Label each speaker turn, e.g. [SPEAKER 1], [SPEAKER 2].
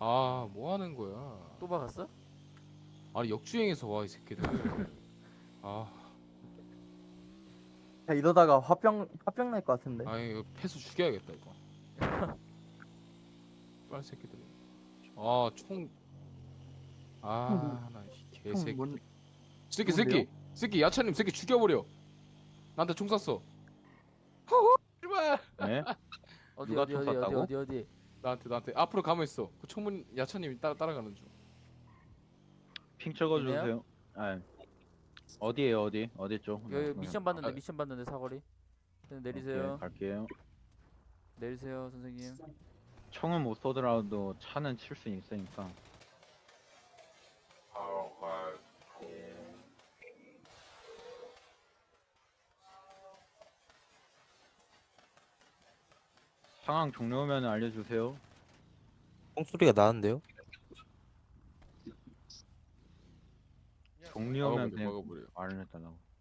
[SPEAKER 1] 아, 뭐 하는 거야?
[SPEAKER 2] 또 박았어?
[SPEAKER 1] 아니, 역주행해서 와, 이 새끼들. 아,
[SPEAKER 3] 야, 이러다가 화병 날 것 같은데.
[SPEAKER 1] 아니, 이거 패스 죽여야겠다, 이거. 빨 새끼들. 아, 총. 아, 나, 이 개새끼.
[SPEAKER 3] 뭔
[SPEAKER 1] 새끼,
[SPEAKER 3] 뭔데요?
[SPEAKER 1] 새끼. 새끼, 야차님, 새끼 죽여버려. 나한테 총 쐈어. 허허, 제발.
[SPEAKER 4] 네?
[SPEAKER 2] 어디
[SPEAKER 4] 누가
[SPEAKER 2] 어디
[SPEAKER 4] 총
[SPEAKER 2] 어디 어디
[SPEAKER 4] 쐈다고?
[SPEAKER 2] 어디.
[SPEAKER 1] 나한테. 앞으로 가면 있어. 그 총문, 야차님이 따라가는 중.
[SPEAKER 4] 핑 찍어주세요. 아, 어디에요, 어디? 어디 쪽?
[SPEAKER 2] 여기 미션 받는데
[SPEAKER 1] 아,
[SPEAKER 2] 미션 받는데 사거리. 그냥
[SPEAKER 4] 오케이,
[SPEAKER 2] 내리세요.
[SPEAKER 4] 갈게요.
[SPEAKER 2] 내리세요 선생님.
[SPEAKER 4] 총은 못 쏘더라도 차는 칠 수 있으니까. 상황 종료면 알려주세요.
[SPEAKER 5] 똥소리가 나는데요?
[SPEAKER 4] 종료면
[SPEAKER 1] 막아버려,
[SPEAKER 4] 그냥
[SPEAKER 1] 막아버려.
[SPEAKER 4] 말을 해달라고.